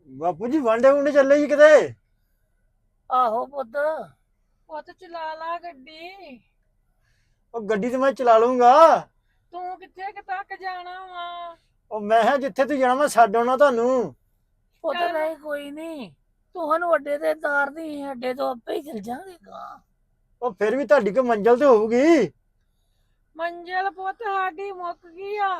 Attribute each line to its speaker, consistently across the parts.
Speaker 1: ਬਾਪੂ ਜੀ ਵਾਂਡੇ ਵੁੰਡੇ ਚੱਲੇ ਜੀ ਕਿਤੇ?
Speaker 2: ਆਹੋ ਪੁੱਤ।
Speaker 3: ਪੁੱਤ ਚਲਾ ਲਾ ਗੱਡੀ।
Speaker 1: ਉਹ ਗੱਡੀ ਤੇ ਮੈਂ ਚਲਾ ਲੂੰਗਾ।
Speaker 3: ਤੂੰ ਕਿੱਥੇ ਕੁ ਤੱਕ ਜਾਣਾ ਵਾ?
Speaker 1: ਉਹ ਮੈਂ ਕਿਹਾ ਜਿੱਥੇ ਤੂੰ ਜਾਣਾ ਮੈਂ ਛੱਡ ਆਉਣਾ ਤੁਹਾਨੂੰ।
Speaker 2: ਪੁੱਤ
Speaker 3: ਚੱਲ।
Speaker 2: ਨਹੀਂ ਕੋਈ ਨਹੀਂ, ਤੁਹਾਨੂੰ ਅੱਡੇ ਤੇ ਤਾਰਦੀ, ਅੱਡੇ ਤੋਂ ਆਪੇ ਹੀ ਚਲ ਜਾਾਂਗੇ ਗਾ।
Speaker 1: ਉਹ ਫਿਰ ਵੀ ਤੁਹਾਡੀ ਕੋਈ ਮੰਜ਼ਿਲ ਤੇ ਹੋਊਗੀ।
Speaker 3: ਮੰਜ਼ਿਲ ਪੁੱਤ ਸਾਡੀ ਮੁੱਕ ਗਈ ਆ।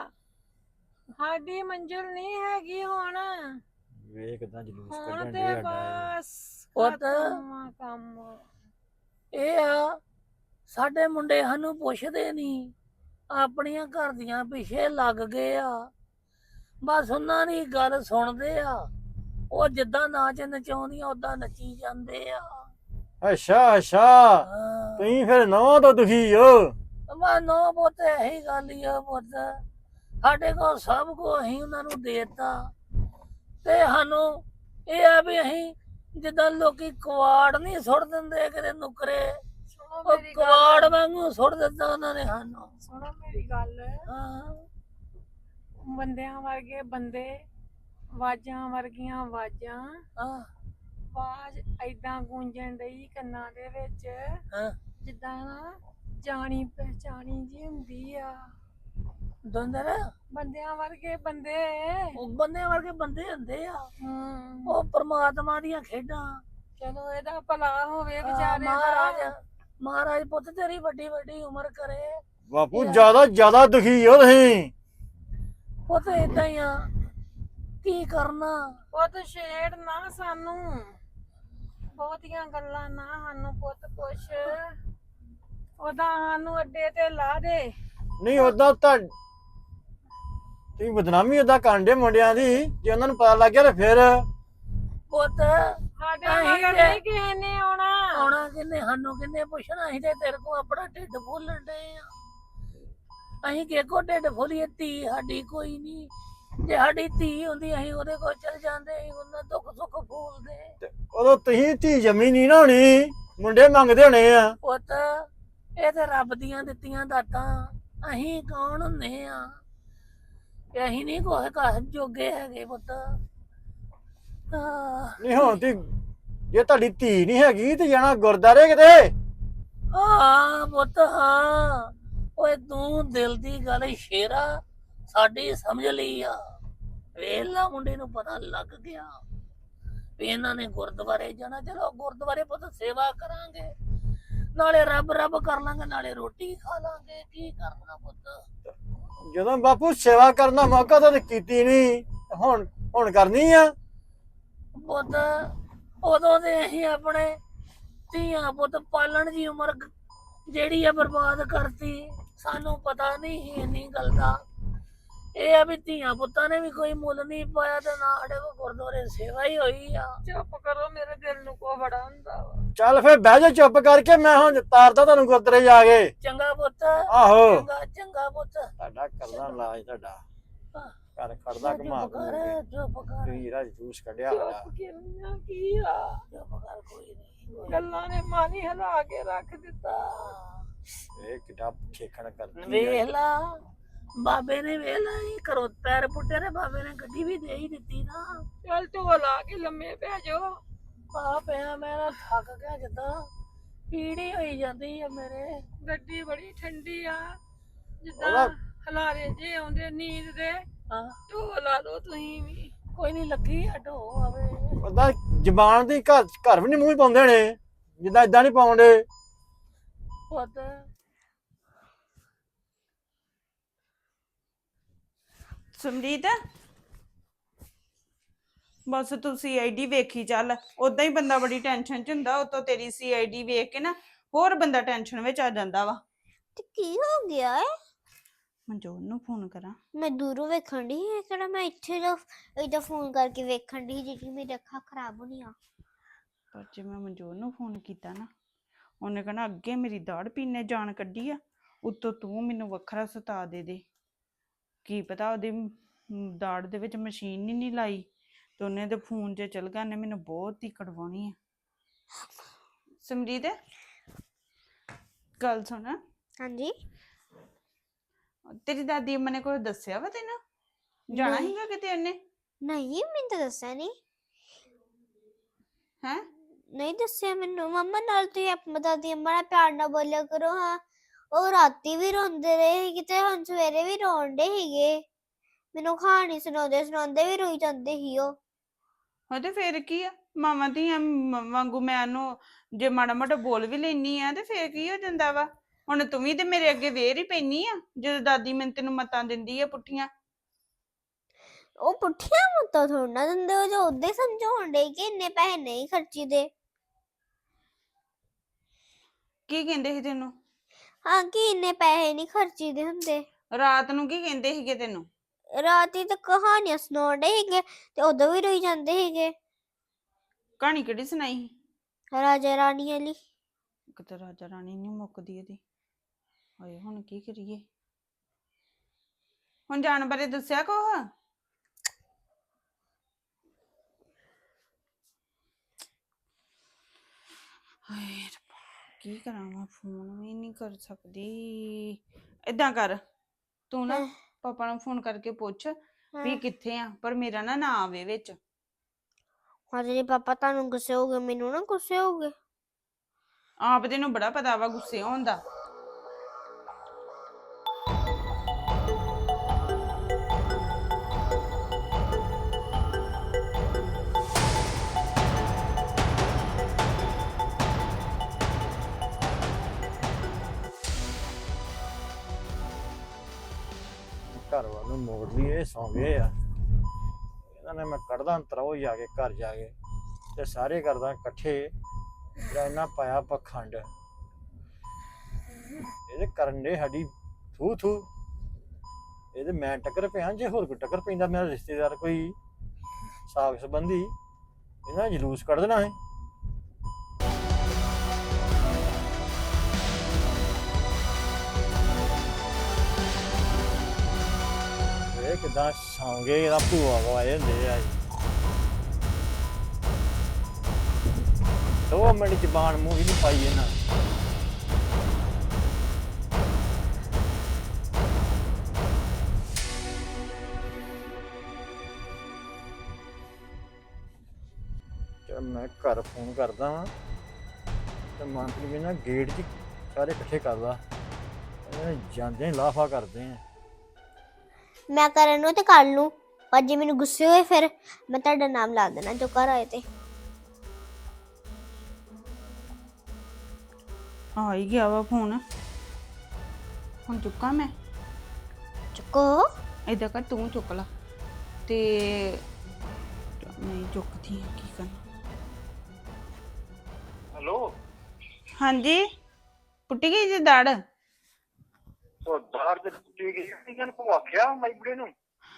Speaker 3: ਸਾਡੀ ਮੰਜ਼ਿਲ ਨਹੀਂ ਹੈਗੀ ਹੁਣ।
Speaker 1: ਵੇਖ ਕਿਦਾਂ ਜਲੂਸ
Speaker 3: ਹੁਣ
Speaker 1: ਕੱਢਣ
Speaker 3: ਤੇ
Speaker 1: ਦੇ ਸਾਡਾ।
Speaker 3: ਬਸ
Speaker 2: ਪੁੱਤ।
Speaker 3: ਖਤਮ ਆ ਕੰਮ।
Speaker 2: ਇਹ ਆ, ਸਾਡੇ ਮੁੰਡੇ ਸਾਨੂੰ ਪੁੱਛਦੇ ਨਹੀਂ, ਆਪਣੀਆਂ ਘਰ ਦੀਆਂ ਪਿੱਛੇ ਲੱਗ ਗਏ ਆ। ਬਸ ਉਹਨਾਂ ਦੀ ਗੱਲ ਸੁਣਦੇ ਆ, ਉਹ ਜਿੱਦਾਂ ਨਾਚ ਨਚਾਉਂਦੀਆਂ ਉਦਾਂ ਨੱਚੀ ਜਾਂਦੇ ਆ।
Speaker 1: ਅੱਛਾ ਅੱਛਾ,
Speaker 2: ਹਾਂ।
Speaker 1: ਤੁਸੀਂ ਫਿਰ ਨਵਾਂ ਤੋਂ ਦੁਖੀ ਹੋ।
Speaker 2: ਮੈਂ ਨੋ ਪੁੱਤ ਇਹੀ ਗੱਲ ਹੀ ਆ ਪੁੱਤ, ਸਾਡੇ ਕੋਲ ਸਭ ਕੁਝ ਅਸੀਂ ਉਹਨਾਂ ਨੂੰ ਦੇਤਾ, ਤੇ ਸਾਨੂੰ ਇਹ ਆ ਵੀ ਅਸੀਂ ਜਿੱਦਾਂ ਲੋਕੀ ਕਵਾੜ ਨਹੀਂ ਸੁੱਟ ਦਿੰਦੇ ਕਿਤੇ ਨੁਕਰੇ,
Speaker 3: ਸੁਣੋ
Speaker 2: ਉਹ
Speaker 3: ਮੇਰੀ
Speaker 2: ਕਵਾੜ
Speaker 3: ਗੱਲ।
Speaker 2: ਵਾਂਗੂ ਸੁੱਟ ਦਿੱਤਾ ਉਹਨਾਂ ਨੇ ਸਾਨੂੰ।
Speaker 3: ਸੁਣੋ ਮੇਰੀ ਗੱਲ।
Speaker 2: ਹਾਂ।
Speaker 3: ਬੰਦਿਆਂ ਵਰਗੇ ਬੰਦੇ, ਆਵਾਜ਼ਾਂ ਵਰਗੀਆਂ ਆਵਾਜ਼ਾਂ।
Speaker 2: ਹਾਂ।
Speaker 3: ਆਵਾਜ਼ ਏਦਾਂ ਗੂੰਜਣ ਡਈ ਕੰਨਾਂ ਦੇ ਵਿੱਚ,
Speaker 2: ਹਾਂ।
Speaker 3: ਜਿੱਦਾਂ ਨਾ ਜਾਣੀ ਪਹਿਚਾਣੀ ਜੀ ਹੁੰਦੀ ਆ।
Speaker 2: ਦੰਦਰ
Speaker 3: ਬੰਦਿਆਂ ਵਰਗੇ ਬੰਦੇ।
Speaker 2: ਉਹ ਬੰਦੇ ਵਰਗੇ ਬੰਦੇ ਹੁੰਦੇ ਆ,
Speaker 3: ਹੂੰ।
Speaker 2: ਉਹ ਪ੍ਰਮਾਤਮਾ ਦੀਆਂ ਖੇਡਾਂ।
Speaker 3: ਚਲੋ ਇਹਦਾ ਭਲਾ ਹੋਵੇ
Speaker 2: ਹਾਂ,
Speaker 3: ਵਿਚਾਰੇ
Speaker 2: ਮਹਾਰਾਜ
Speaker 3: ਦਾ।
Speaker 2: ਮਹਾਰਾਜ ਪੁੱਤ ਤੇਰੀ ਵੱਡੀ ਵੱਡੀ ਉਮਰ ਕਰੇ।
Speaker 1: ਬਾਪੂ
Speaker 2: ਯਾਰ।
Speaker 1: ਜ਼ਿਆਦਾ ਦੁਖੀ ਹੋ ਤੁਸੀਂ।
Speaker 2: ਪੁੱਤ ਏਦਾਂ ਹੀ ਆ, ਕੀ ਕਰਨਾ।
Speaker 3: ਪੁੱਤ ਛੇੜ ਨਾ ਸਾਨੂੰ, ਬਹੁਤੀਆਂ ਗੱਲਾਂ ਨਾ ਸਾਨੂੰ ਪੁੱਤ ਪੁੱਛ। ਉਹਦਾ ਸਾਨੂੰ ਅੱਡੇ ਤੇ ਲਾ ਦੇ।
Speaker 1: ਨਹੀਂ ਉਦਾਂ ਤਾਂ ਤੁਸੀਂ ਬਦਨਾਮੀ ਉਦਾਂ ਕਾਂਡੇ ਮੁੰਡਿਆਂ ਦੀ, ਜੇ ਉਹਨਾਂ ਨੂੰ ਪਤਾ ਲੱਗ ਗਿਆ ਤਾਂ ਫਿਰ।
Speaker 2: ਪੁੱਤ
Speaker 3: ਸਾਡੇ
Speaker 2: ਅਸੀਂ
Speaker 3: ਮਗਰ
Speaker 2: ਤੇ-
Speaker 3: ਨਹੀਂ ਕਿਸੇ ਨੇ ਆਉਣਾ।
Speaker 2: ਆਉਣਾ ਕਿੰਨੇ, ਸਾਨੂੰ ਕਿੰਨੇ ਪੁੱਛਣਾ, ਅਸੀਂ ਤੇ ਤੇਰੇ ਕੋਲ ਆਪਣਾ ਢਿੱਡ ਫੁੱਲਣ ਡਏ ਆ। ਅਸੀਂ ਕਿਹਕੋ ਢਿੱਡ ਫੁੱਲੀਏ, ਧੀ ਸਾਡੀ ਕੋਈ ਨਹੀਂ। ਜੇ ਸਾਡੀ ਧੀ ਹੁੰਦੀ ਅਸੀਂ ਉਹਦੇ ਕੋਲ ਚਲ ਜਾਂਦੇ, ਅਸੀਂ ਉਹਨਾਂ ਦੁੱਖ ਸੁੱਖ ਫੂਲਦੇ।
Speaker 1: ਉਦੋਂ ਤੁਸੀਂ ਧੀ ਜੰਮੀ ਨਹੀਂ ਨਾ ਹੋਣੀ, ਮੁੰਡੇ ਮੰਗਦੇ ਹੋਣੇ ਆ।
Speaker 2: ਪੁੱਤ ਇਹ ਤੇ ਰੱਬ ਦੀਆਂ ਦਿੱਤੀਆਂ ਦਾਤਾਂ, ਅਸੀਂ ਕੌਣ ਹੁੰਨੇ ਆ ਕਿ ਅਸੀਂ ਨਹੀਂ ਕੁਛ ਕਰ ਜੋਗੇ ਹੈਗੇ ਪੁੱਤ।
Speaker 1: ਨਹੀਂ ਹੁਣ ਤੇ ਜੇ ਤੁਹਾਡੀ ਧੀ ਨਹੀਂ ਹੈਗੀ ਤੇ ਜਾਣਾ ਗੁਰਦਾਰੇ ਕਿਤੇ।
Speaker 2: ਹਾਂ ਪੁੱਤ ਹਾਂ, ਓਏ ਤੂੰ ਦਿਲ ਦੀ ਗੱਲ ਸ਼ੇਰਾ ਸਾਡੀ ਸਮਝ ਲਈ ਆ। ਵੇਲਾ ਮੁੰਡੇ ਨੂੰ ਪਤਾ ਲੱਗ ਗਿਆ ਵੀ ਇਹਨਾਂ ਨੇ ਗੁਰਦੁਆਰੇ ਜਾਣਾ। ਚਲੋ ਗੁਰਦੁਆਰੇ ਪੁੱਤ ਸੇਵਾ ਕਰਾਂਗੇ, ਨਾਲੇ ਰੱਬ ਰੱਬ ਕਰ ਲਾਂਗੇ, ਨਾਲੇ ਰੋਟੀ ਖਾ ਲਾਂਗੇ। ਕੀ ਕਰਨਾ ਪੁੱਤ।
Speaker 1: ਜਦੋਂ ਬਾਪੂ ਸੇਵਾ ਕਰਨ ਦਾ ਮੌਕਾ ਤਾਂ ਕੀਤੀ ਨਹੀਂ, ਹੁਣ ਕਰਨੀ ਆ।
Speaker 2: ਪੁੱਤ ਉਦੋਂ ਦੇ ਅਸੀਂ ਆਪਣੇ ਧੀਆਂ ਪੁੱਤ ਪਾਲਣ ਦੀ ਉਮਰ ਜਿਹੜੀ ਆ ਬਰਬਾਦ ਕਰਤੀ। ਸਾਨੂੰ ਪਤਾ ਨਹੀਂ ਸੀ ਇੰਨੀ ਗੱਲ ਦਾ। ਇਹ ਆ ਵੀ ਧੀਆਂ ਪੁੱਤਾਂ ਨੇ ਵੀ ਕੋਈ ਮੁੱਲ ਨਹੀਂ ਪਾਇਆ, ਤੇ ਨਾ ਸਾਡੇ ਕੋਲ ਗੁਰਦੁਆਰੇ ਸੇਵਾ ਹੀ ਹੋਈ ਆ।
Speaker 3: ਚੁੱਪ ਕਰੋ, ਮੇਰੇ ਦਿਲ ਨੂੰ ਕੋ ਬੜਾ ਹੁੰਦਾ ਵਾ।
Speaker 1: ਚੱਲ ਫਿਰ ਬਹਿ ਜਾ ਚੁੱਪ ਕਰਕੇ, ਮੈਂ ਹੁਣ ਤਾਰਦਾ ਤੁਹਾਨੂੰ ਗੁਰਦੁਆਰੇ ਜਾ ਕੇ।
Speaker 2: ਚੰਗਾ ਪੁੱਤ।
Speaker 1: ਆਹੋ
Speaker 2: ਚੰਗਾ ਚੰਗਾ ਪੁੱਤ।
Speaker 1: ਤੁਹਾਡਾ ਕਰਦਾ ਇਲਾਜ ਤੁਹਾਡਾ ਘਰ ਖੜਦਾ
Speaker 2: ਚੁੱਪ
Speaker 1: ਘੁਮਾ
Speaker 2: ਕਰ, ਚੁੱਪ ਕਰ,
Speaker 1: ਤੁਸੀਂ ਰਾਜ ਜੂਸ ਕੱਢਿਆ ਹੋਇਆ।
Speaker 3: ਚੁੱਪ ਕਿਰਨਾ ਕੀ ਆ?
Speaker 2: ਚੁੱਪ ਕਰ, ਕੋਈ ਨਹੀਂ।
Speaker 3: ਗੱਲਾਂ ਨੇ ਮਨ ਹੀ ਹਿਲਾ ਕੇ ਰੱਖ ਦਿੱਤਾ।
Speaker 1: ਇਹ ਕਿੱਡਾ ਖੇਖਣ ਕਰਦੀ ਆ।
Speaker 2: ਵੇਖ ਲਾ, ਬਾਬੇ ਨੇ ਵੇਖ ਲਾ ਇਹ ਘਰੋਂ ਪੈਰ ਪੁੱਟੇ ਨੇ, ਬਾਬੇ ਨੇ ਗੱਡੀ ਵੀ ਦੇ ਹੀ ਦਿੱਤੀ ਨਾ।
Speaker 3: ਚੱਲ ਢੋਲ ਲਾ ਕੇ ਲੰਮੇ ਪੈ ਜਾਓ।
Speaker 2: ਆ ਪਿਆ ਮੈਂ ਨਾ ਥੱਕ ਗਿਆ, ਜਿੱਦਾਂ ਪੀੜੀ ਹੋਈ ਜਾਂਦੀ ਆ ਮੇਰੇ।
Speaker 3: ਗੱਡੀ ਬੜੀ ਠੰਡੀ ਆ, ਜਿੱਦਾਂ
Speaker 1: ਉਹਦਾ-
Speaker 3: ਹਲਾਰੇ ਜੇ ਆਉਂਦੇ ਨੀਂਦ ਦੇ।
Speaker 2: ਹਾਂ
Speaker 3: ਢੋਲ ਲਾ ਲਓ ਤੁਸੀਂ ਵੀ।
Speaker 2: ਕੋਈ ਨਹੀਂ, ਲੱਗੀ ਹਟੋ ਆਵੇ।
Speaker 1: ਉਹਦਾ ਜ਼ਬਾਨ ਦੀ ਘਰ ਵੀ ਨਹੀਂ ਮੂੰਹ ਪਾਉਂਦੇ ਨੇ, ਜਿੱਦਾਂ ਇਦਾਂ ਨਹੀਂ ਪਾਉਂਦੇ।
Speaker 2: ਪੁੱਤ
Speaker 4: ਸਮਰੀਤ, ਬਸ ਤੂੰ ਸੀਆਈਡੀ ਵੇਖੀ ਚੱਲ। ਉਦਾਂ ਹੀ ਬੰਦਾ ਬੜੀ ਟੈਨਸ਼ਨ ਚ ਹੁੰਦਾ, ਉਤੋਂ ਤੇਰੀ ਸੀਆਈਡੀ ਵੇਖ ਕੇ ਨਾ ਹੋਰ ਬੰਦਾ ਟੈਨਸ਼ਨ ਵਿੱਚ ਆ ਜਾਂਦਾ ਵਾ।
Speaker 5: ਤੇ ਕੀ ਹੋ ਗਿਆ ਹੈ?
Speaker 4: ਮਨਜੋਤ ਨੂੰ ਫੋਨ ਕਰਾਂ?
Speaker 5: ਮੈਂ ਦੂਰੋਂ ਵੇਖਣ ਦੀ ਹੈ ਕਿਹੜਾ, ਮੈਂ ਇੱਥੇ ਦਾ ਇਹਦਾ ਫੋਨ ਕਰਕੇ ਵੇਖਣ ਦੀ ਜਿਹੜੀ ਮੇਰੀ ਅੱਖਾਂ ਖਰਾਬ ਹੋਣੀਆਂ।
Speaker 4: ਪਰ ਜੇ ਮੈਂ ਮਨਜੋਤ ਨੂੰ ਫੋਨ ਕੀਤਾ ਨਾ, ਉਹਨੇ ਕਹਿਣਾ ਅੱਗੇ ਮੇਰੀ ਦਾੜ ਪੀਨੇ ਜਾਨ ਕੱਢੀ ਆ, ਉੱਤੋਂ ਤੂੰ ਮੈਨੂੰ ਵੱਖਰਾ ਸਤਾ ਦੇ। ਕੀ ਪਤਾ ਉਹਦੀ ਦਾੜ ਦੇ ਵਿੱਚ ਮਸ਼ੀਨ ਹੀ ਨਹੀਂ ਲਾਈ, ਤੇ ਉਹਨੇ ਤੇ ਫੋਨ 'ਚ ਚਲ ਗਿਆ, ਨੇ ਮੈਨੂੰ ਬਹੁਤ ਹੀ ਕੜਵਾਉਣੀ ਆ। ਸਮਰੀਤ ਗੱਲ ਸੁਣ,
Speaker 5: ਹਾਂਜੀ
Speaker 4: ਤੇਰੀ ਦਾਦੀ ਅੰਮਾ ਨੇ ਕੁਝ ਦੱਸਿਆ ਵਾ ਤੈਨੂੰ? ਜਾਣਾ
Speaker 5: ਨਹੀਂ।
Speaker 4: ਸੀਗਾ ਕਿਤੇ ਉਹਨੇ?
Speaker 5: ਨਹੀਂ, ਮੈਨੂੰ ਤਾਂ ਦੱਸਿਆ ਨਹੀਂ।
Speaker 4: ਹੈ।
Speaker 5: ਨਹੀਂ ਦੱਸਿਆ ਮੈਨੂੰ। ਮੰਮਾ ਨਾਲ ਤੁਸੀਂ ਆਪਣੀ ਦਾਦੀ ਅੰਮਾ ਨਾਲ ਪਿਆਰ ਨਾਲ ਬੋਲਿਆ ਕਰੋ ਹਾਂ। ਉਹ ਰਾਤੀ ਵੀ ਰੋਂਦੇ ਰਹੇ ਸੀਗੇ ਤੇ ਹੁਣ ਸਵੇਰੇ ਵੀ ਰੋਣ ਡੇ ਸੀਗੇ। ਮੈਨੂੰ ਕਹਾਣੀ ਸੁਣਾਉਂਦੇ ਸੁਣਾਉਂਦੇ ਵੀ ਰੋਈ ਜਾਂਦੇ ਸੀ ਉਹ।
Speaker 4: ਤੇ ਫੇਰ ਕੀ ਆ, ਮਾਵਾਂ ਧੀਆਂ ਵਾਂਗੂ ਮੈਂ ਉਹਨੂੰ ਜੇ ਮਾੜਾ ਮੋਟਾ ਬੋਲ ਵੀ ਲੈਨੀ ਆ ਤੇ ਫੇਰ ਕੀ ਹੋ ਜਾਂਦਾ ਵਾ। ਹੁਣ ਤੂੰ ਵੀ ਤੇ ਮੇਰੇ ਅੱਗੇ ਵੇਰ ਹੀ ਪੈਣੀ ਆ ਜਦੋਂ ਦਾਦੀ ਮੈਨੂੰ ਤੈਨੂੰ ਮਤਾਂ ਦਿੰਦੀ ਆ ਪੁੱਠੀਆਂ।
Speaker 5: ਉਹ ਪੁੱਠੀਆਂ ਮੱਤਾਂ ਥੋੜਾ ਨਾ ਦਿੰਦੇ, ਉਹ ਜੋ ਉਦਾਂ ਹੀ ਸਮਝਾਉਣ ਡੇ ਕਿ ਇੰਨੇ ਪੈਸੇ ਨਹੀਂ ਖਰਚੀਦੇ।
Speaker 4: ਕੀ ਕਹਿੰਦੇ ਸੀ ਤੈਨੂੰ?
Speaker 5: ਹਾਂ ਕਿ ਇੰਨੇ ਪੈਸੇ ਨਹੀਂ ਖਰਚੀਦੇ ਹੁੰਦੇ।
Speaker 4: ਰਾਤ ਨੂੰ ਕੀ ਕਹਿੰਦੇ ਸੀਗੇ ਤੈਨੂੰ?
Speaker 5: ਰਾਤੀ ਤਾਂ ਕਹਾਣੀਆਂ ਸੁਣਾਉਣ ਡੇ ਸੀਗੇ ਤੇ ਉਦੋਂ ਵੀ ਰੋਈ ਜਾਂਦੇ ਸੀਗੇ।
Speaker 4: ਕਹਾਣੀ ਕਿਹੜੀ ਸੁਣਾਈ ਸੀ?
Speaker 5: ਰਾਜਾ ਰਾਣੀ ਵਾਲੀ।
Speaker 4: ਕਿਤੇ ਰਾਜਾ ਰਾਣੀ ਨੀ ਮੁੱਕਦੀ ਇਹਦੀ। ਹਾਏ ਹੁਣ ਕੀ ਕਰੀਏ? ਹੁਣ ਜਾਣ ਬਾਰੇ ਦੱਸਿਆ ਕੁਛ? ਹਾਏ ਰੱਬਾ, ਕੀ ਕਰਾਂ ਮੈਂ? ਫੋਨ ਵੀ ਨਹੀਂ ਕਰ ਸਕਦੀ। ਏਦਾਂ ਕਰ, ਤੂੰ ਨਾ ਪਾਪਾ ਨੂੰ ਫੋਨ ਕਰਕੇ ਪੁੱਛ ਵੀ ਕਿੱਥੇ ਆ, ਪਰ ਮੇਰਾ ਨਾ ਆਵੇ ਵਿੱਚ।
Speaker 5: ਹਾਂ ਜੀ ਪਾਪਾ ਤੁਹਾਨੂੰ ਗੁੱਸੇ ਹੋਗੇ, ਮੈਨੂੰ ਨਾ ਗੁੱਸੇ ਹੋਗੇ।
Speaker 4: ਆਪ ਤੈਨੂੰ ਬੜਾ ਪਤਾ ਵਾ ਗੁੱਸੇ ਹੋਣ ਦਾ।
Speaker 1: ਘਰ ਵੱਲ ਨੂੰ ਮੋੜ ਲਈ, ਸੌਂ ਗਏ ਆ। ਇਹਨਾਂ ਨੇ ਮੈਂ ਕੱਢਦਾ ਅੰਤਰ ਉਹ ਜਾ ਕੇ ਘਰ ਜਾ ਕੇ ਤੇ ਸਾਰੇ ਕਰਦਾ ਇਕੱਠੇ ਜਿਹੜਾ ਇਹਨਾਂ ਪਾਇਆ ਪਖੰਡ। ਇਹਦੇ ਕਰਨ ਦੇ ਸਾਡੀ ਥੂ ਥੂ। ਇਹਦੇ ਮੈਂ ਟੱਕਰ ਪਿਆ, ਜੇ ਹੋਰ ਕੋਈ ਟੱਕਰ ਪੈਂਦਾ ਮੇਰਾ ਰਿਸ਼ਤੇਦਾਰ ਕੋਈ ਸਾਗ ਸੰਬੰਧੀ, ਇਹਨਾਂ ਨੇ ਜਲੂਸ ਕੱਢ ਦੇਣਾ ਹੈ। ਇਹ ਕਿਦਾਂ ਸੌਂ ਗਏ, ਇਹਦਾ ਭੂਆ ਗਵਾਏ ਹੁੰਦੇ ਆ। 2 ਮਿੰਟ ਜ਼ਬਾਨ ਮੂੰਹ ਹੀ ਨਹੀਂ ਪਾਈ ਇਹਨਾਂ। ਚਲ ਮੈਂ ਘਰ ਫੋਨ ਕਰਦਾ ਵਾਂ ਤੇ ਮੰਤਰੀ ਵੀ ਨਾ ਗੇਟ 'ਚ ਸਾਰੇ ਇਕੱਠੇ ਕਰਦਾ, ਜਾਂਦੇ ਹੀ ਲਾਫਾ ਕਰਦੇ ਆ।
Speaker 5: ਮੈਂ ਕਰਨ ਨੂੰ ਤੇ ਕਰ ਲੂੰ, ਪਰ ਜੇ ਮੈਨੂੰ ਗੁੱਸੇ ਹੋਏ ਫਿਰ ਮੈਂ ਤੁਹਾਡਾ ਨਾਮ ਲਾ ਦੇਣਾ ਜੋ ਘਰ ਆਏ ਤੇ।
Speaker 4: ਆ ਹੀ ਗਿਆ ਵਾ ਫੋਨ, ਹੁਣ ਚੁੱਕਾਂ ਮੈਂ?
Speaker 5: ਚੁੱਕੋ।
Speaker 4: ਏਦਾਂ ਕਰ, ਤੂੰ ਚੁੱਕ ਲਾ ਤੇ ਨਹੀਂ ਚੁੱਕਦੀ ਆ, ਕੀ ਕਰਨਾ।
Speaker 1: ਹੈਲੋ।
Speaker 4: ਹਾਂਜੀ, ਪੁੱਟੀ ਗਈ ਜੀ ਦੜ?
Speaker 1: ਉਹ ਦਾੜ ਤੇ ਟੁੱਟੀ ਗਈ, ਇਹਨਾਂ ਨੂੰ ਆਖਿਆ ਮਾਈਬੜੇ ਨੂੰ।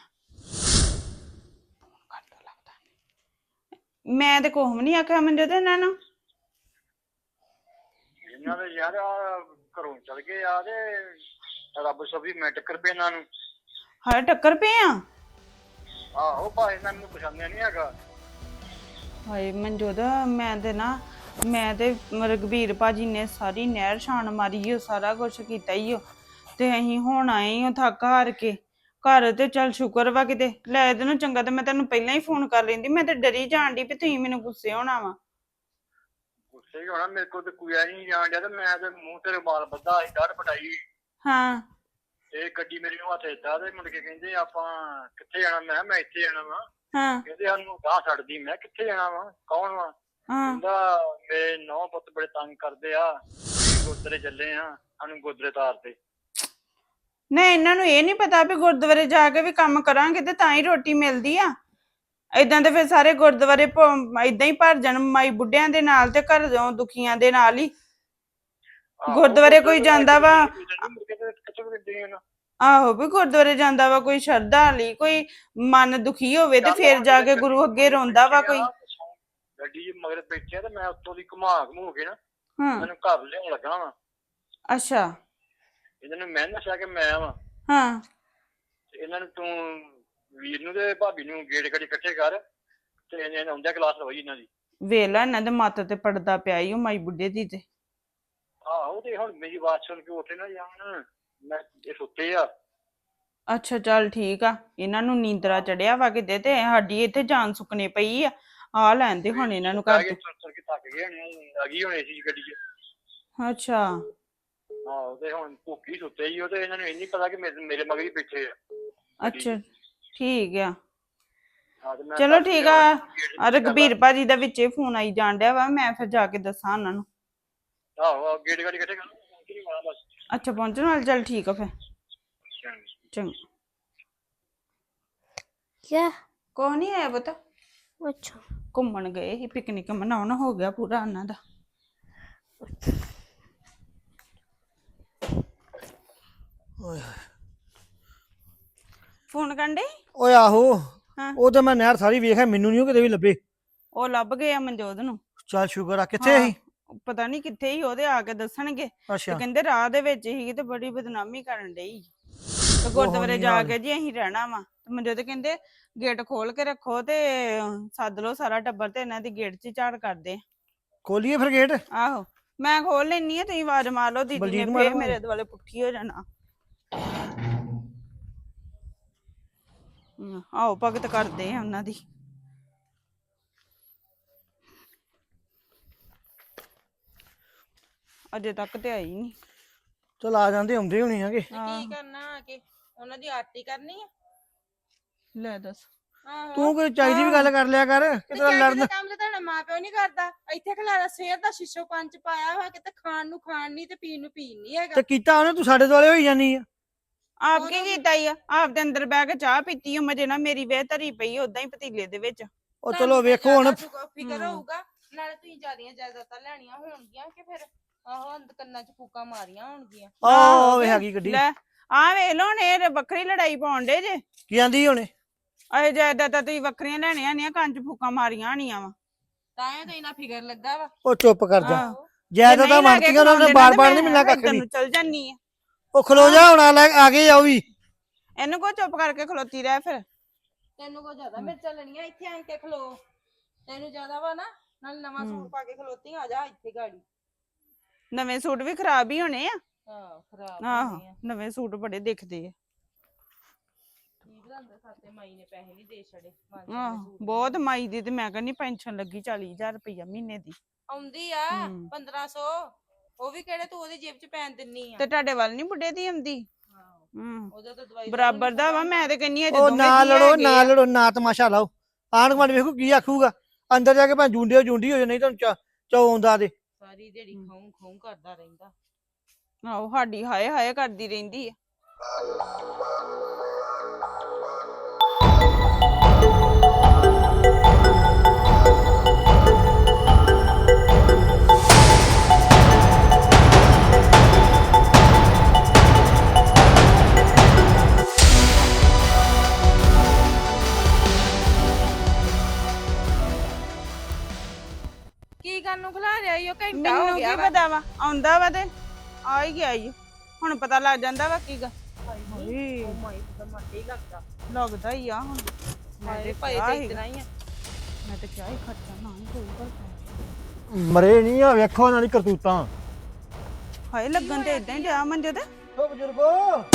Speaker 4: ਮੈਂ ਤੇ ਕੁਛ ਵੀ ਨਹੀਂ ਆਖਿਆ ਮੰਜੋ ਤੇ ਇਹਨਾਂ ਨੂੰ।
Speaker 1: ਇਹਨਾਂ ਦੇ ਯਾਰ ਘਰੋਂ ਚਲ ਗਏ ਆ ਤੇ ਰੱਬ ਸਭੀ ਮੈਂ ਟੱਕਰ ਪਏ ਇਹਨਾਂ ਨੂੰ।
Speaker 4: ਹਾਏ ਟੱਕਰ ਪਏ ਆ?
Speaker 1: ਆਹੋ ਭਾਈ ਇਹਨਾਂ ਨੂੰ ਪਛਾਣਿਆ ਨਹੀਂ ਹੈਗਾ।
Speaker 4: ਹਾਏ ਮਨਜੋਤ, ਮੈਂ ਤੇ ਰਘਬੀਰ ਭਾਜੀ ਨੇ ਸਾਰੀ ਨਹਿਰ ਛਾਣ ਮਾਰੀ, ਉਹ ਸਾਰਾ ਕੁਛ ਕੀਤਾ ਹੀ ਤੇ ਅਸੀਂ ਹੁਣ ਆਏ ਥੱਕ ਹਾਰ ਕੇ ਘਰ। ਤੇ ਚੱਲ ਸ਼ੁਕਰ ਵਾ ਕਿਤੇ ਲੈ ਇਹਦੇ ਨੂੰ ਚੰਗਾ ਤੇ ਮੈਂ ਤੈਨੂੰ ਪਹਿਲਾਂ ਹੀ ਫੋਨ ਕਰ ਲੈਂਦੀ। ਮੈਂ ਤੇ ਡਰੀ ਜਾਣ ਡਈ ਵੀ ਤੁਸੀਂ ਮੈਨੂੰ ਗੁੱਸੇ ਹੋਣਾ ਵਾ।
Speaker 1: ਗੁੱਸੇ ਹੋਣਾ ਮੇਰੇ ਕੋਲ ਤੇ ਕੋਈ ਨਹੀਂ ਜਾਣ ਡਿਆ ਤੇ ਮੈਂ ਤੇ ਮੂੰਹ ਤੇ ਰੁਮਾਲ ਬੱਧਾ ਸੀ, ਡਰ ਪਟਾਈ।
Speaker 4: ਹਾਂ।
Speaker 1: ਇਹ ਗੱਡੀ ਮੇਰੀ ਨੂੰ ਹੱਥ ਏਦਾਂ ਤੇ ਮੁੜ ਕੇ ਕਹਿੰਦੇ ਆਪਾਂ ਕਿੱਥੇ ਜਾਣਾ? ਮੈਂ ਇੱਥੇ ਜਾਣਾ ਵਾ।
Speaker 4: ਹਾਂ।
Speaker 1: ਕਹਿੰਦੇ ਸਾਨੂੰ ਗਾਹ ਛੱਡਦੀ। ਮੈਂ ਕਿੱਥੇ ਜਾਣਾ ਵਾ? ਕੌਣ ਵਾ? ਕਹਿੰਦਾ ਮੇਰੇ 9 ਪੁੱਤ ਬੜੇ ਤੰਗ ਕਰਦੇ ਆ, ਗੁਰਦੁਆਰੇ ਚੱਲੇ ਆ, ਸਾਨੂੰ ਗੁਰਦੁਆਰੇ ਤਾਰ ਤੇ।
Speaker 4: ਨਹੀਂ ਇਹਨਾਂ ਨੂੰ ਇਹ ਨੀ ਪਤਾ ਵੀ ਗੁਰਦੁਆਰੇ ਜਾ ਕੇ ਵੀ ਕੰਮ ਕਰਾਂਗੇ ਤੇ ਤਾਂ ਹੀ ਰੋਟੀ ਮਿਲਦੀ ਆ। ਏਦਾਂ ਤੇ ਫਿਰ ਸਾਰੇ ਗੁਰਦੁਆਰੇ ਏਦਾਂ ਹੀ ਭਰ ਜਾਣ ਮਾਈ ਬੁੱਢਿਆਂ ਦੇ ਨਾਲ ਤੇ ਘਰ ਦੁਖੀਆਂ ਦੇ ਨਾਲ ਹੀ। ਗੁਰਦੁਆਰੇ ਕੋਈ ਜਾਂਦਾ ਵਾ, ਆਹੋ ਵੀ ਗੁਰਦੁਆਰੇ ਜਾਂਦਾ ਵਾ ਕੋਈ ਸ਼ਰਧਾ ਲਈ, ਕੋਈ ਮਨ ਦੁਖੀ ਹੋਵੇ ਤੇ ਫਿਰ ਜਾ ਕੇ ਗੁਰੂ ਅੱਗੇ ਰੋਂਦਾ ਵਾ ਕੋਈ।
Speaker 1: ਗੱਡੀ ਮਗਰ ਬੈਠਿਆ ਤੇ ਮੈਂ ਉੱਤੋਂ ਦੀ ਘੁਮਾ ਕੇ ਨਾ ਮੈਨੂੰ ਘਰ ਲਿਆਉਣ ਲੱਗਾ ਵਾ। ਅੱਛਾ। ਇਹਨਾਂ ਨੂੰ ਮੈਂ ਦੱਸਿਆ ਕਿ ਮੈਂ ਵਾ।
Speaker 4: ਹਾਂ।
Speaker 1: ਇਹਨਾਂ ਨੂੰ ਤੂੰ ਵੀਰ ਨੂੰ ਤੇ ਭਾਬੀ ਨੂੰ ਗੇਟ ਗੜੀ ਇਕੱਠੇ ਕਰ ਤੇ ਇਹਨਾਂ ਆਉਂਦਿਆ ਕਲਾਸ ਲਵਾਈ ਇਹਨਾਂ ਦੀ।
Speaker 4: ਵੇਲਾ ਇਹਨਾਂ ਦੇ ਮੱਤ ਤੇ ਪੜਦਾ ਪਿਆ ਈ ਉਹ ਮਾਈ ਬੁੱਢੇ ਦੀ ਤੇ।
Speaker 1: ਆਹੋ ਤੇ ਹੁਣ ਮੇਰੀ ਆਵਾਜ਼ ਸੁਣ ਕੇ ਉੱਠੇ ਨਾ ਜਾਣ, ਮੈਂ ਇਹ ਸੁੱਤੇ ਆ।
Speaker 4: ਅੱਛਾ ਚੱਲ ਠੀਕ ਆ, ਇਹਨਾਂ ਨੂੰ ਨੀਂਦਰਾ ਚੜਿਆ ਵਾ ਕਿਤੇ ਤੇ ਸਾਡੀ ਇੱਥੇ ਜਾਨ ਸੁੱਕਣੇ ਪਈ ਆ। ਆ ਲੈਂਦੇ ਹੁਣ ਇਹਨਾਂ ਨੂੰ
Speaker 1: ਆ
Speaker 4: ਘਰ
Speaker 1: ਕੇ
Speaker 4: ਤੋਂ।
Speaker 1: ਤੁਰ ਕੇ ਥੱਕ ਗਏ ਹੋਣੇ ਆ ਗਈ ਹੋਣੇ ਸੀ ਗੱਡੀ 'ਚ।
Speaker 4: ਅੱਛਾ
Speaker 1: ਆਹੋ ਤੇ ਹੁਣ ਭੁੱਖੀ ਸੁੱਤੇ ਹੀ ਉਹ ਤੇ ਇਹਨਾਂ ਨੂੰ ਇਹ ਨਹੀਂ ਪਤਾ ਕਿ ਮੇਰੇ ਮਗਰ ਹੀ ਬੈਠੇ ਆ।
Speaker 4: ਅੱਛਾ ਠੀਕ ਆ।
Speaker 1: ਹਾਂ ਤੇ ਮੈਂ
Speaker 4: ਚਲੋ
Speaker 1: ਥੱਕ
Speaker 4: ਠੀਕ
Speaker 1: ਗਿਆ
Speaker 4: ਆ।
Speaker 1: ਹੁਣ ਗੇਟ ਦੀ
Speaker 4: ਰਘਬੀਰ ਭਾਜੀ ਦਾ ਵਿੱਚੇ ਫੋਨ ਆਈ ਜਾਣ ਡਿਆ ਵਾ, ਮੈਂ ਫਿਰ ਜਾ ਕੇ ਦੱਸਾਂ ਉਹਨਾਂ ਨੂੰ।
Speaker 1: ਆਹੋ ਗੇਟ ਗਾੜੀ ਕਿੱਥੇ ਕਰ ਨਹੀਂ ਵਾਲਾ ਬਸ।
Speaker 4: ਅੱਛਾ ਪਹੁੰਚਣ ਵਾਲੇ, ਚੱਲ ਠੀਕ ਆ ਫਿਰ ਚੰਗਾ।
Speaker 5: क्या
Speaker 4: ਕੋਈ ਨਹੀਂ ਆਇਆ ਪਤਾ,
Speaker 5: अच्छा
Speaker 4: ਘੁੰਮਣ ਗਏ ਸੀ, ਪਿਕਨਿਕ ਮਨਾਉਣ ਹੋ ਗਿਆ ਪੂਰਾ ਉਹਨਾਂ ਦਾ। ਫੋਨ ਕਰਦੇ
Speaker 1: ਓਏ ਆਹੋ
Speaker 4: ਹਾਂ।
Speaker 1: ਉਹ ਤੇ ਮੈਂ ਨਹਿਰ ਸਾਰੀ ਵੇਖਿਆ, ਮੈਨੂੰ ਨਹੀਂ ਕਿਤੇ ਵੀ ਲੱਭੇ।
Speaker 4: ਉਹ ਲੱਭ ਗਏ ਆ ਮਨਜੋਤ ਨੂੰ।
Speaker 1: ਚੱਲ ਸ਼ੁਕਰ ਆ। ਕਿੱਥੇ ਸੀ?
Speaker 4: ਪਤਾ ਨਹੀਂ ਕਿੱਥੇ ਹੀ, ਉਹਦੇ ਆ ਕੇ ਦੱਸਣਗੇ। ਤੇ
Speaker 1: ਅੱਛਾ
Speaker 4: ਕਹਿੰਦੇ ਰਾਹ ਦੇ ਵਿੱਚ ਹੀ ਤੇ ਬੜੀ ਬਦਨਾਮੀ ਕਰਨ ਡਈ। ਤੇ ਗੁਰਦੁਆਰੇ ਜਾ ਕੇ ਜੀ ਅਸੀਂ ਰਹਿਣਾ ਵਾ। ਮਨਜੋਤ ਕਹਿੰਦੇ ਗੇਟ ਖੋਲ ਕੇ ਰੱਖੋ ਤੇ ਸੱਦ ਲਓ ਸਾਰਾ ਟੱਬਰ ਤੇ ਇਹਨਾਂ ਦੀ ਗੇਟ 'ਚ ਝਾੜ ਕਰਦੇ।
Speaker 1: ਖੋਲੀਏ ਫਿਰ ਗੇਟ।
Speaker 4: ਆਹੋ ਮੈਂ ਖੋਲ ਲੈਣੀ ਆ, ਤੁਸੀਂ ਆਵਾਜ਼ ਮਾਰ ਲਓ, ਦੀਦੀ ਨੇ
Speaker 1: ਬਲਜੀਤ
Speaker 4: ਫੇਰ
Speaker 1: ਮਾਰੋ।
Speaker 4: ਮੇਰੇ ਦੁਆਲੇ ਪੁੱਠੀ ਹੋ ਜਾਣਾ। ਆਓ ਭਗਤ ਕਰਦੇ ਆ ਉਹਨਾਂ ਦੀ। ਅਜੇ ਤੱਕ ਤੇ ਆਈ ਨਹੀਂ।
Speaker 1: ਚਲ ਆ ਜਾਂਦੇ, ਆਉਂਦੇ ਹੋਣੇ ਆਗੇ।
Speaker 4: ਕੀ
Speaker 6: ਕਰਨਾ ਆ ਕੇ ਉਹਨਾਂ ਦੀ ਆਰਤੀ ਕਰਨੀ ਆ।
Speaker 4: ਲੈ ਦੱਸ,
Speaker 6: ਆਹੋ
Speaker 1: ਤੂੰ ਕੋਈ ਚਾਹੀਦੀ ਵੀ ਗੱਲ ਕਰ ਲਿਆ ਕਰ,
Speaker 6: ਤੇ
Speaker 1: ਕਿਤੇ ਲੜਨ।
Speaker 6: ਦਾ ਕੰਮ ਤੇ ਤੁਹਾਡਾ ਮਾਂ ਪਿਓ ਨਹੀਂ ਕਰਦਾ। ਇੱਥੇ ਖਲਾਰਾ ਸਵੇਰ ਦਾ ਸ਼ੀਸ਼ੋ ਪੰਜ ਪਾਇਆ ਹੋਇਆ, ਕਿਤੇ ਖਾਣ ਨੂੰ ਖਾਣ ਨਹੀਂ ਤੇ ਪੀਣ ਨੂੰ ਪੀਣ ਨਹੀਂ ਹੈਗਾ।
Speaker 1: ਤੇ ਕੀਤਾ ਉਹਨੇ, ਤੂੰ ਸਾਡੇ ਦੁਆਲੇ ਹੋਈ ਜਾਨੀ ਆ।
Speaker 4: ਆਪ ਕੀ ਕੀਤਾ ਈ ਆ? ਆਪ ਦੇ ਅੰਦਰ ਬਹਿ ਕੇ ਚਾਹ ਪੀਤੀ ਓ, ਮਜੇ ਨਾਲ ਮੇਰੀ ਵੇਹ ਧਰੀ ਪਈ ਓਦਾਂ ਹੀ ਪਤੀਲੇ ਦੇ ਵਿੱਚ।
Speaker 1: ਉਹ ਚਲੋ ਵੇਖੋ ਹੁਣ।
Speaker 6: ਫਿਕਰ ਹੋਊਗਾ, ਨਾਲੇ ਤੁਸੀਂ ਜਿਆਦੀਆਂ ਜਾਇਦਾਦਾਂ ਲੈਣੀਆਂ ਹੋਣਗੀਆਂ ਕਿ ਫਿਰ ਆਹੋ ਕੰਨਾਂ 'ਚ ਫੂਕਾਂ ਮਾਰੀਆਂ ਹੋਣਗੀਆਂ।
Speaker 1: ਆਹ ਵੇ ਹੈਗੀ ਗੱਡੀ।
Speaker 4: ਲੈ ਆ ਵੇਖ ਲੋ, ਹੁਣ ਇਹ ਵੱਖਰੀ ਲੜਾਈ ਪਾਉਣ ਡੇ ਜੇ।
Speaker 1: ਕੀ ਆਂਦੀ ਹੁਣੇ?
Speaker 4: ਅਜੇ ਜਾਇਦਾਦਾਂ ਤੁਸੀਂ ਵੱਖਰੀਆਂ ਲੈਣੀਆਂ ਨਹੀਂ, ਕੰਨ 'ਚ ਫੂਕਾਂ ਮਾਰੀਆਂ ਹੋਣੀਆਂ ਵਾ।
Speaker 6: ਤਾਂ ਇਹ ਤਾਂ ਇਹਨਾਂ ਫਿਕਰ ਲੱਗਾ ਵਾ।
Speaker 1: ਉਹ ਚੁੱਪ ਕਰ ਜਾ।
Speaker 4: ਆਹੋ।
Speaker 1: ਜਾਇਦਾਦ ਤਾਂ ਮੰਨਤੀਆਂ ਉਹਨਾਂ ਨੇ, ਬਾਰ-ਬਾਰ ਨਹੀਂ ਮਿਲਣਾ ਕੱਖ ਵੀ।
Speaker 4: ਤੈਨੂੰ ਚਲ ਜਾਨੀ ਆ।
Speaker 1: ਉਹ ਖਲੋ ਜਾ ਹੁਣ, ਆ ਗਏ ਆ ਉਹ ਵੀ।
Speaker 4: ਇਹਨੂੰ ਕੋ ਚੁੱਪ ਕਰਕੇ ਖਲੋਤੀ ਰਹਿ ਫਿਰ।
Speaker 6: ਤੈਨੂੰ ਕੋ ਜ਼ਿਆਦਾ ਮਿਰਚਾਂ ਲੈਣੀਆਂ, ਇੱਥੇ ਆਣ ਕੇ ਖਲੋ। ਤੈਨੂੰ ਜ਼ਿਆਦਾ ਵਾ ਨਾ, ਨਾਲ ਨਵਾਂ ਸੂਟ ਪਾ ਕੇ ਖਲੋਤੀ, ਆ ਜਾ ਇੱਥੇ ਗਾੜੀ।
Speaker 4: ਨਵੇਂ ਸੂਟ ਵੀ ਖਰਾਬ ਹੀ ਹੋਣੇ ਆ।
Speaker 6: ਆਹੋ ਖਰਾਬ
Speaker 4: ਆਹੋ
Speaker 6: ਹੋਣੀ ਆ।
Speaker 4: ਨਵੇਂ ਸੂਟ ਬੜੇ ਦਿਖਦੇ ਆ।
Speaker 6: ਕੀ ਬਣਾਉਂਦਾ ਸਾਤੇ ਮਾਈ ਨੇ ਪੈਸੇ ਨਹੀਂ ਦੇ ਛੜੇ।
Speaker 4: ਆਹੋ ਬਹੁਤ ਮਾਈ ਦੀ ਤੇ ਮੈਂ ਕਹਿੰਦੀ ਪੈਨਸ਼ਨ ਲੱਗੀ 40,000 ਰੁਪਇਆ ਮਹੀਨੇ ਦੀ
Speaker 6: ਆਉਂਦੀ ਆ 1500, ਉਹ ਵੀ ਕਿਹੜੇ ਤੂੰ ਉਹਦੀ ਜੇਬ 'ਚ ਪੈਣ ਦਿੰਨੀ ਆ।
Speaker 4: ਤੇ ਤੁਹਾਡੇ ਵੱਲ ਨਹੀਂ ਬੁੱਢੇ ਦੀ ਆਉਂਦੀ।
Speaker 6: ਉਹਦਾ ਤਾਂ ਦਵਾਈ
Speaker 4: ਬਰਾਬਰ ਦਾ ਵਾ। ਮੈਂ ਤੇ ਕਹਿੰਨੀ ਆ
Speaker 1: ਉਹ ਨਾ ਲੜੋ, ਨਾ ਲੜੋ, ਨਾ ਤਮਾਸ਼ਾ ਲਾਓ। ਆਂਢ ਗੁਆਂਢ ਵੇਖੋ ਕੀ ਆਖੂਗਾ। ਅੰਦਰ ਜਾ ਕੇ ਭਾਵੇਂ ਜੁੰਡੀ ਹੋ ਜਾਏ, ਨਹੀਂ ਤੁਹਾਨੂੰ ਚੌ ਆਉਂਦਾ ਦੇ।
Speaker 6: ਸਾਰੀ ਦਿਹਾੜੀ ਖਾਉਂ ਖਾਉਂ ਕਰਦਾ ਰਹਿੰਦਾ।
Speaker 4: ਆਹੋ ਸਾਡੀ ਹਾਏ ਹਾਏ ਕਰਦੀ ਰਹਿੰਦੀ ਆ।
Speaker 6: ਕੀ ਕਰਨ ਨੂੰ ਖਲਾ ਰਿਹਾ ਈ? ਉਹ ਘੰਟਾ ਹੋ
Speaker 4: ਮੈਨੂੰ
Speaker 6: ਗਿਆ
Speaker 4: ਕੀ
Speaker 6: ਵਾ।
Speaker 4: ਪਤਾ ਵਾ, ਆਉਂਦਾ ਵਾ ਤੇ ਆ ਹੀ ਗਿਆ ਈ। ਹੁਣ ਪਤਾ ਲੱਗ ਜਾਂਦਾ ਵਾ ਕੀ ਗਾ।
Speaker 6: ਉਹ ਮਾਈ ਦਾ ਮੱਟੇ ਹੀ ਲੱਗਦਾ।
Speaker 4: ਲੱਗਦਾ ਹੀ ਆ ਹੁਣ।
Speaker 6: ਹਾਏ ਭਾਈ
Speaker 4: ਕਿਹਾ
Speaker 6: ਤੇ
Speaker 4: ਸੀਗਾ।
Speaker 6: ਇਤਨਾ ਹੀ ਆ।
Speaker 4: ਮੈਂ ਤੇ ਕਿਹਾ ਹੀ ਖਰਚਾ ਨਾ ਹੀ ਕੋਈ ਕਰਦਾ।
Speaker 1: ਮਰੇ ਨਹੀਂ ਆ, ਵੇਖੋ ਉਹਨਾਂ ਦੀ ਕਰਤੂਤਾਂ।
Speaker 4: ਹਾਏ ਲੱਗਣ ਤੇ ਇਦਾਂ ਹੀ ਡਿਆ ਮੰਜੇ ਤੇ।
Speaker 1: ਓ ਬਜ਼ੁਰਗੋ,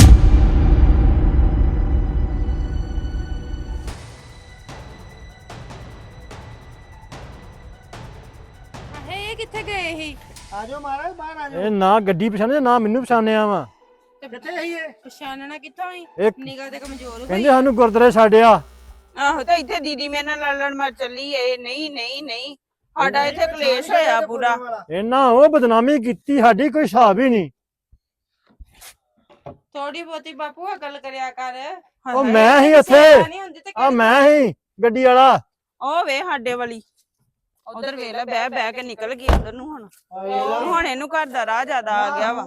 Speaker 6: ਇਹ ਕਿੱਥੇ ਗਏ ਸੀ?
Speaker 1: ਆ ਜਾਓ ਮਹਾਰਾਜ, ਬਾਹਰ ਆ ਜਾਓ। ਇਹ ਨਾ ਗੱਡੀ ਪਛਾਣਦੇ, ਨਾ ਮੈਨੂੰ ਪਛਾਣਿਆ ਵਾ। ਕਿੱਥੇ ਆਈ ਇਹ?
Speaker 6: ਪਛਾਣਨਾ ਕਿੱਥੋਂ ਹੋਈ?
Speaker 1: ਇਹ
Speaker 6: ਨਿਗਾਹ ਤੇ ਕਮਜ਼ੋਰ ਹੋਈ।
Speaker 1: ਕਹਿੰਦੇ ਸਾਨੂੰ ਗੁਰਦੁਆਰੇ ਛੱਡਿਆ।
Speaker 4: ਆਹੋ ਤੇ ਇੱਥੇ ਦੀਦੀ ਮੇਰੇ ਨਾਲ ਲੜਨ ਮਰ ਚੱਲੀ ਏ। ਨਹੀਂ ਨਹੀਂ ਨਹੀਂ, ਸਾਡਾ ਇੱਥੇ ਕਲੇਸ਼ ਹੋਇਆ ਪੂਰਾ।
Speaker 1: ਇਹਨਾਂ ਉਹ ਬਦਨਾਮੀ ਕੀਤੀ, ਸਾਡੀ ਕੋਈ ਹਿਸਾਬ ਹੀ ਨਹੀਂ।
Speaker 6: ਥੋੜੀ ਬਹੁਤੀ ਬਾਪੂ ਅਕਲ ਕਰਿਆ ਕਰ।
Speaker 1: ਉਹ ਮੈਂ ਹੀ ਇੱਥੇ,
Speaker 6: ਨਹੀਂ ਹੁੰਦੀ ਤੇ
Speaker 1: ਆ ਮੈਂ ਹੀ ਗੱਡੀ ਵਾਲਾ।
Speaker 4: ਉਹ ਵੇ ਸਾਡੇ ਵਾਲੀ ਉਧਰ ਵੇਖ ਲੈ, ਬਹਿ ਬਹਿ ਕੇ ਨਿਕਲ ਗਈ ਉਧਰ ਨੂੰ। ਹੁਣ ਇਹਨੂੰ ਘਰ ਦਾ ਰਾਹ ਜ਼ਿਆਦਾ ਆ ਗਿਆ ਵਾ।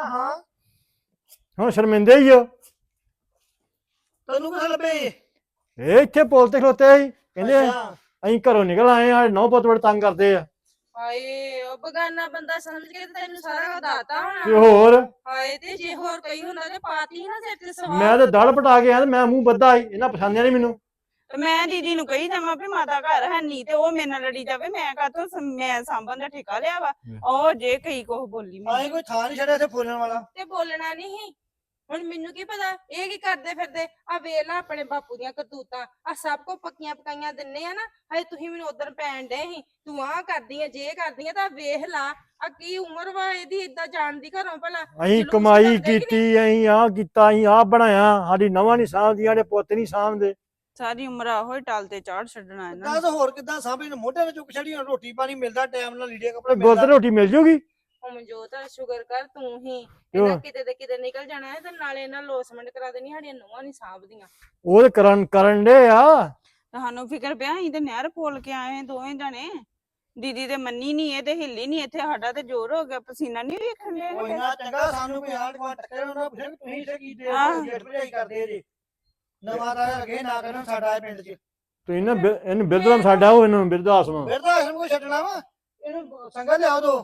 Speaker 1: ਹੁਣ ਸ਼ਰਮਿੰਦੇ ਹੀ ਹੋ।
Speaker 7: ਤੈਨੂੰ ਕਿੱਥੇ ਲੱਭੇ?
Speaker 1: ਇਹ ਇੱਥੇ ਪੁਲ ਤੇ ਖਲੋਤੇ ਸੀ, ਕਹਿੰਦੇ ਅਸੀਂ ਘਰੋਂ ਨਿਕਲ ਆਏ ਆ, ਨੌ ਪੁੱਤ ਬੜੇ ਤੰਗ ਕਰਦੇ ਆ।
Speaker 6: ਹਾਏ ਉਹ ਬਗਾਨਾ ਬੰਦਾ ਸਮਝ ਕੇ ਤੇ ਤੈਨੂੰ ਸਾਰਾ ਕੁਝ ਦੱਸਦਾ
Speaker 1: ਤੇ
Speaker 6: ਹੋਣਾ।
Speaker 1: ਹੋਰ
Speaker 6: ਹਾਏ ਤੇ ਜੇ ਹੋਰ ਕੋਈ ਹੁੰਦਾ ਤੇ ਪਾਤੀ ਨਾ ਸਿਰ ਤੇ ਸਵਾਰ।
Speaker 1: ਮੈਂ ਤੇ ਦੜ ਪਟਾ ਕੇ ਆ ਤੇ ਮੈਂ ਮੂੰਹ ਬੱਧਾ ਸੀ, ਇਹਨਾਂ ਪਛਾਣਿਆ ਨਹੀਂ ਮੈਨੂੰ।
Speaker 4: ਤੇ ਮੈਂ ਦੀਦੀ ਨੂੰ ਕਹੀ ਜਾਵਾਂ ਵੀ ਮਾਤਾ ਘਰ ਹੈ ਨਹੀਂ, ਤੇ ਉਹ ਮੇਰੇ ਨਾਲ ਲੜੀ ਜਾਵੇ। ਮੈਂ ਕਾਹਤੋਂ ਮੈਂ ਸਾਂਭਣ ਦਾ ਠੇਕਾ ਲਿਆ ਵਾ। ਉਹ ਜੇ ਕਈ ਕੁਛ ਬੋਲੀ
Speaker 7: ਆਏ ਕੋਈ ਥਾਂ ਨਹੀਂ ਛੱਡਿਆ ਇੱਥੇ ਫੋਲਣ ਵਾਲਾ।
Speaker 6: ਤੇ ਬੋਲਣਾ ਨਹੀਂ ਸੀ। ਹੁਣ ਮੈਨੂੰ ਕੀ ਪਤਾ ਇਹ ਕੀ ਕਰਦੇ ਫਿਰਦੇ ਆ ਵੇਖ ਲਾ ਆਪਣੇ ਬਾਪੂ ਦੀਆਂ ਕਰਤੂਤਾਂ ਆ ਸਭ ਕੋ ਪੱਕੀਆਂ ਪਕਾਈਆਂ ਦਿੰਨੇ ਆ ਨਾ ਹਜੇ ਤੁਸੀਂ ਮੈਨੂੰ ਉਧਰ ਪੈਣ ਡੇ ਸੀ ਤੂੰ ਆਹ ਕਰਦੀ ਆ ਜੇ ਕਰਦੀ ਆ ਤਾਂ ਵੇਖ ਲਾ ਆ ਕੀ ਉਮਰ ਵਾ ਇਹਦੀ ਏਦਾਂ ਜਾਣ ਦੀ ਘਰੋਂ ਭਲਾ
Speaker 1: ਅਸੀਂ
Speaker 6: ਜਲੂਸ
Speaker 1: ਕਮਾਈ
Speaker 6: ਕੱਢਦੇ ਕਿ
Speaker 1: ਕੀਤੀ, ਅਸੀਂ ਆਹ ਕੀਤਾ, ਅਸੀਂ ਆਹ ਬਣਾਇਆ, ਸਾਡੀ ਨਵਾਂ ਨਹੀਂ ਸਾਂਭਦੀਆਂ ਨੇ, ਪੁੱਤ ਨਹੀਂ ਸਾਂਭਦੇ।
Speaker 4: ਸਾਰੀ ਉਮਰ ਆਹੋ ਹੀ ਟਲ ਤੇ ਚਾੜ ਛੱਡਣਾ ਇਹਨਾਂ
Speaker 7: ਦੱਸ
Speaker 4: ਨੂੰ।
Speaker 7: ਹੋਰ ਕਿੱਦਾਂ ਸਾਂਭੇ ਨੇ ਮੋਢੇ ਤੇ ਚੁੱਕ ਛੜੀ ਹੁਣ ਰੋਟੀ ਪਾਣੀ ਮਿਲਦਾ ਟਾਈਮ ਨਾਲ ਲੀੜੇ ਕੱਪੜੇ
Speaker 1: ਗੁਰਦ
Speaker 7: ਮਿਲਦਾ
Speaker 1: ਰੋਟੀ ਮਿਲ ਜੂਗੀ?
Speaker 6: ਉਹ ਮਨਜੋਤ ਸ਼ੁਗਰ ਕਰ ਤੂੰ ਹੀ
Speaker 1: ਕਿਉਂ?
Speaker 6: ਇਹਨਾਂ ਕਿਤੇ ਦੇ ਕਿਤੇ ਨਿਕਲ ਜਾਣਾ ਹੈ ਤੇ ਨਾਲੇ ਇਹਨਾਂ ਲੋਸਮੈਂਟ ਕਰਾ ਦੇਣੀ ਸਾਡੀਆਂ ਨੂੰਹਾਂ ਨਹੀਂ ਸਾਂਭਦੀਆਂ
Speaker 1: ਉਹ ਤੇ ਕਰਨ ਦੇ ਆ।
Speaker 4: ਸਾਨੂੰ ਫਿਕਰ ਪਿਆ ਅਸੀਂ ਤੇ ਨਹਿਰ ਪੋਲ ਕੇ ਆਏ ਦੋਵੇਂ ਜਣੇ ਦੀਦੀ ਤੇ ਮੰਨੀ ਨਹੀਂ ਇਹ ਤੇ ਹਿੱਲੀ ਨਹੀਂ ਇੱਥੇ ਸਾਡਾ ਤੇ ਜ਼ੋਰ ਹੋ ਗਿਆ ਪਸੀਨਾ ਨਹੀਂ ਵੇਖਣ
Speaker 7: ਕੋਈ
Speaker 4: ਦੇ
Speaker 7: ਨਾ ਚੰਗਾ ਸਾਨੂੰ ਕੋਈ ਆਂਢ ਗੁਆਂਢ ਟੱਕਰੇ ਉਹਨਾਂ ਪੁੱਛਿਆ ਕਿ ਤੁਸੀਂ ਇਸੇ ਕੀ ਦੇ
Speaker 4: ਆਹ।
Speaker 7: ਗੇਟ ਭਜਾਈ ਕਰਦੇ ਜੇ ਨਵਾਂ ਦਾ ਲੱਗੇ ਨਾ ਕਰਨ ਸਾਡਾ ਇਹ ਪਿੰਡ 'ਚ
Speaker 1: ਤੁਸੀਂ ਨਾ ਇਹਨੂੰ ਬਿਰਧਾਸ਼ਮ ਸਾਡਾ ਉਹ ਇਹਨੂੰ ਬਿਰਧ ਆਸ਼ਰਮ।
Speaker 7: ਫਿਰ ਤਾਂ ਆਸ਼ਰਮ ਕੋਈ ਛੱਡਣਾ ਵਾ ਇਹਨੂੰ ਸੰਗਤ ਲਿਆਓ ਦੋ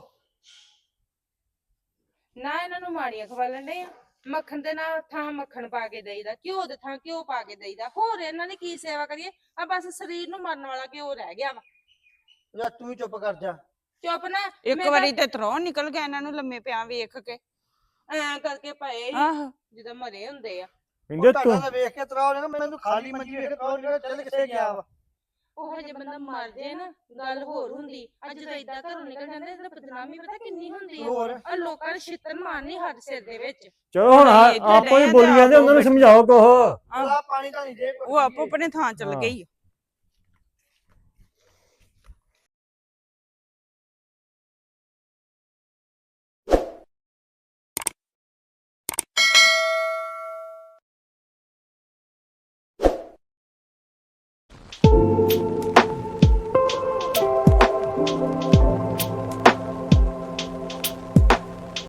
Speaker 6: ਨਾ ਇਹਨਾਂ ਨੂੰ ਮਾੜੀਆਂ ਖਵਾਲਣ ਦੇ ਆ ਮੱਖਣ ਦੇ ਨਾਲ ਥਾਂ ਮੱਖਣ ਪਾ ਕੇ ਦੇਈਦਾ ਘਿਓ ਦੇ ਥਾਂ ਘਿਓ ਪਾ ਕੇ ਦੇਈਦਾ ਹੋਰ ਇਹਨਾਂ ਦੀ ਕੀ ਸੇਵਾ ਕਰੀਏ ਆ ਬਸ ਸਰੀਰ ਨੂੰ ਮਰਨ ਵਾਲਾ ਘਿਓ ਰਹਿ ਗਿਆ ਵਾ
Speaker 7: ਜਾਂ ਤੂੰ ਹੀ ਚੁੱਪ ਕਰ ਜਾ
Speaker 6: ਚੁੱਪ ਨਾ
Speaker 4: ਇੱਕ
Speaker 6: ਮੈਂ
Speaker 4: ਵਾਰੀ ਤੇ ਤਰੋਂ ਨਿਕਲ ਗਿਆ ਇਹਨਾਂ ਨੂੰ ਲੰਮੇ ਪਿਆ ਵੇਖ ਕੇ
Speaker 6: ਐਂ ਕਰਕੇ ਪਏ ਸੀ
Speaker 4: ਆਹੋ
Speaker 6: ਜਦੋਂ ਮਰੇ ਹੁੰਦੇ ਆ
Speaker 1: ਕਹਿੰਦੇ
Speaker 7: ਤੁਹਾਡਾ
Speaker 1: ਤੂੰ
Speaker 7: ਤਾਂ ਵੇਖ ਕੇ ਤਰਾਉ ਨੇ ਮੈਨੂੰ ਖਾਲੀ ਮੰਜੀ ਵੇਖ ਕੇ ਤਰਾਉ ਨੇ ਚੱਲ ਕਿੱਥੇ ਗਿਆ ਵਾ
Speaker 6: ਉਹ ਹਜੇ ਬੰਦਾ ਮਰ ਜੇ ਨਾ ਗੱਲ ਹੋਰ ਹੁੰਦੀ ਅੱਜ ਜਦੋਂ ਏਦਾਂ ਘਰੋਂ ਨਿਕਲ ਜਾਂਦੇ ਤਾਂ ਬਦਨਾਮੀ ਪਤਾ ਕਿੰਨੀ ਹੁੰਦੀ ਆ
Speaker 7: ਹੋਰ
Speaker 6: ਆ ਲੋਕਾਂ ਨੇ ਛਿੱਤਰ ਮਾਰਨੀ ਹੱਥ ਸਿਰ ਦੇ ਵਿੱਚ
Speaker 1: ਚਲੋ ਹੁਣ
Speaker 4: ਇੱਧਰ
Speaker 1: ਆਪੋ ਹੀ
Speaker 4: ਰਹੇ
Speaker 1: ਬੋਲੀ
Speaker 4: ਤੇ
Speaker 1: ਜਾਂਦੇ, ਉਹਨਾਂ ਨੂੰ ਸਮਝਾਓ ਕੁਛ।
Speaker 7: ਉਹਦਾ ਪਾਣੀ ਤਾਂ ਨਹੀਂ ਦੇ
Speaker 4: ਉਹ ਆਪੋ ਆਪਣੇ ਥਾਂ ਚਲ ਗਈ